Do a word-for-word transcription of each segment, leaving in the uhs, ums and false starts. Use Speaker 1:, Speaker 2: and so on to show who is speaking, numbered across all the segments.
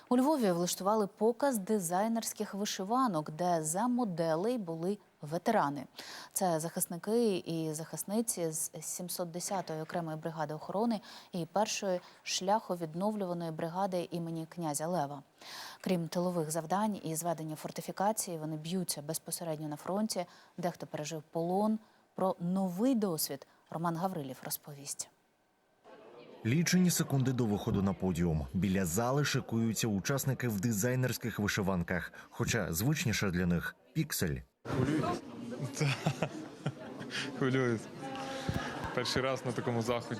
Speaker 1: У Львові влаштували показ дизайнерських вишиванок, де за моделей були ветерани. Це захисники і захисниці з сімсот десятої окремої бригади охорони і першої шляховідновлюваної бригади імені князя Лева. Крім тилових завдань і зведення фортифікації, вони б'ються безпосередньо на фронті. Дехто пережив полон. Про новий досвід Роман Гаврилів розповість.
Speaker 2: Лічені секунди до виходу на подіум. Біля зали шикуються учасники в дизайнерських вишиванках. Хоча звичніше для них – піксель.
Speaker 3: Хвилююсь? Так, хвилююсь. Перший раз на такому заході.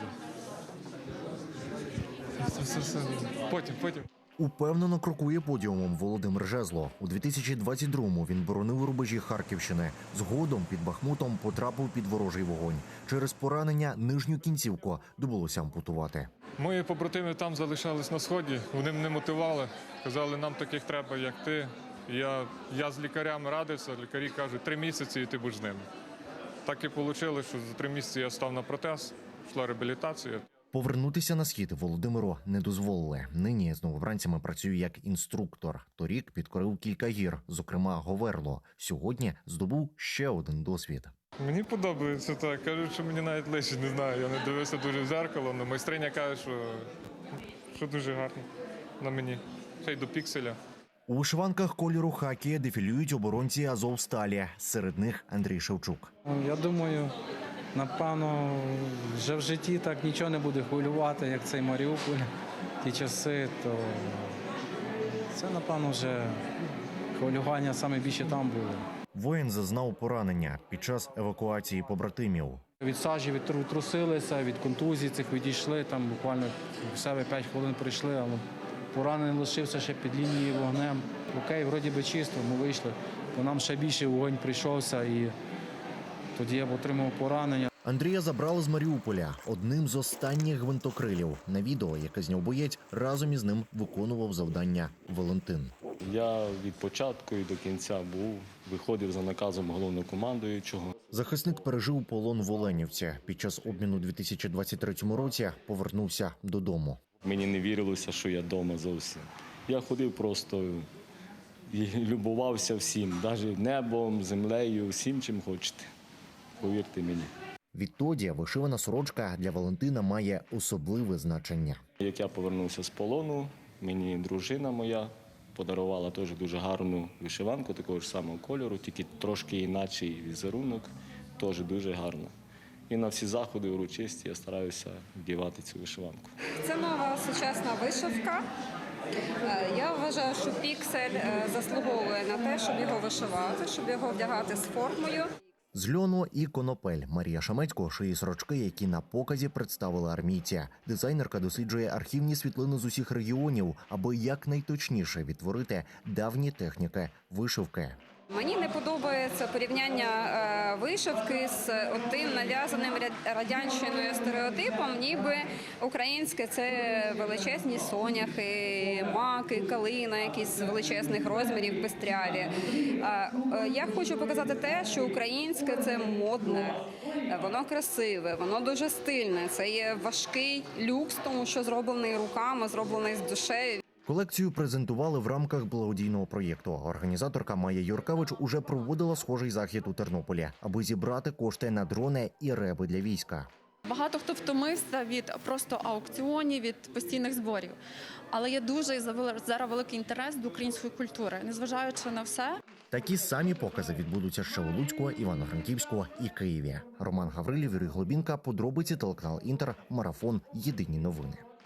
Speaker 3: Все, все, все. Потім, потім.
Speaker 2: Упевнено крокує подіумом Володимир Жезло. У дві тисячі двадцять другому він боронив рубежі Харківщини. Згодом під Бахмутом потрапив під ворожий вогонь. Через поранення нижню кінцівку довелося ампутувати.
Speaker 3: Мої побратими там залишались на Сході, вони мене мотивували. Казали, нам таких треба, як ти. Я, я з лікарями радився, лікарі кажуть, три місяці і ти будеш з ними. Так і вийшло, що за три місяці я став на протез, йшла реабілітація.
Speaker 2: Повернутися на схід Володимиру не дозволили. Нині з новобранцями працює як інструктор. Торік підкорив кілька гір, зокрема Говерло. Сьогодні здобув ще один досвід.
Speaker 3: Мені подобається так. Кажуть, що мені навіть лише не знаю. Я не дивився дуже в зеркало, але майстриня каже, що, що дуже гарно на мені. Ще й до пікселя.
Speaker 2: У вишиванках кольору хакі дефілюють оборонці Азовсталі. Серед них Андрій Шевчук.
Speaker 4: Я думаю, напевно, вже в житті так нічого не буде хвилювати, як цей Маріуполь, ті часи, то це, напевно, вже хвилювання саме більше там було.
Speaker 2: Воїн зазнав поранення під час евакуації побратимів.
Speaker 4: Від сажі відтрусилися, від контузій цих відійшли, там буквально в себе п'ять хвилин прийшли, але поранений лишився ще під лінією вогнем. Окей, вроді би чисто, ми вийшли, то нам ще більше вогонь прийшовся і тоді я отримав поранення.
Speaker 2: Андрія забрали з Маріуполя одним з останніх гвинтокрилів. На відео, яке зняв боєць, разом із ним виконував завдання Валентин.
Speaker 5: Я від початку і до кінця був, виходив за наказом головнокомандуючого.
Speaker 2: Захисник пережив полон в Оленівці. Під час обміну у дві тисячі двадцять третьому році повернувся додому.
Speaker 5: Мені не вірилося, що я вдома зовсім. Я ходив просто і любувався всім, навіть небом, землею, всім, чим хочете. Повірте мені.
Speaker 2: Відтоді вишивана сорочка для Валентина має особливе значення.
Speaker 5: Як я повернувся з полону, мені дружина моя подарувала теж дуже гарну вишиванку такого ж самого кольору, тільки трошки інакший візерунок, теж дуже гарно. І на всі заходи урочисті я стараюся вдівати цю вишиванку.
Speaker 6: Це нова сучасна вишивка. Я вважаю, що піксель заслуговує на те, щоб його вишивати, щоб його вдягати з формою.
Speaker 2: З льону і конопель Марія Шамецько шиє сорочки, які на показі представили армійці. Дизайнерка досліджує архівні світлини з усіх регіонів, аби якнайточніше відтворити давні техніки вишивки.
Speaker 6: Мені не подобається порівняння вишивки з тим нав'язаним радянщиною стереотипом, ніби українське – це величезні соняхи, маки, калина, якісь величезних розмірів, пестряві. Я хочу показати те, що українське – це модне, воно красиве, воно дуже стильне. Це є важкий люкс, тому що зроблений руками, зроблений з душею.
Speaker 2: Колекцію презентували в рамках благодійного проєкту. Організаторка Майя Юркевич уже проводила схожий захід у Тернополі, аби зібрати кошти на дрони і реби для війська.
Speaker 7: Багато хто втомився від просто аукціонів, від постійних зборів. Але є дуже зараз великий інтерес до української культури, незважаючи на все.
Speaker 2: Такі самі покази відбудуться ще у Луцьку, Івано-Франківську і Києві. Роман Гаврилів, Юрій Глобінка, подробиці, телеканал Інтер, марафон, єдині новини.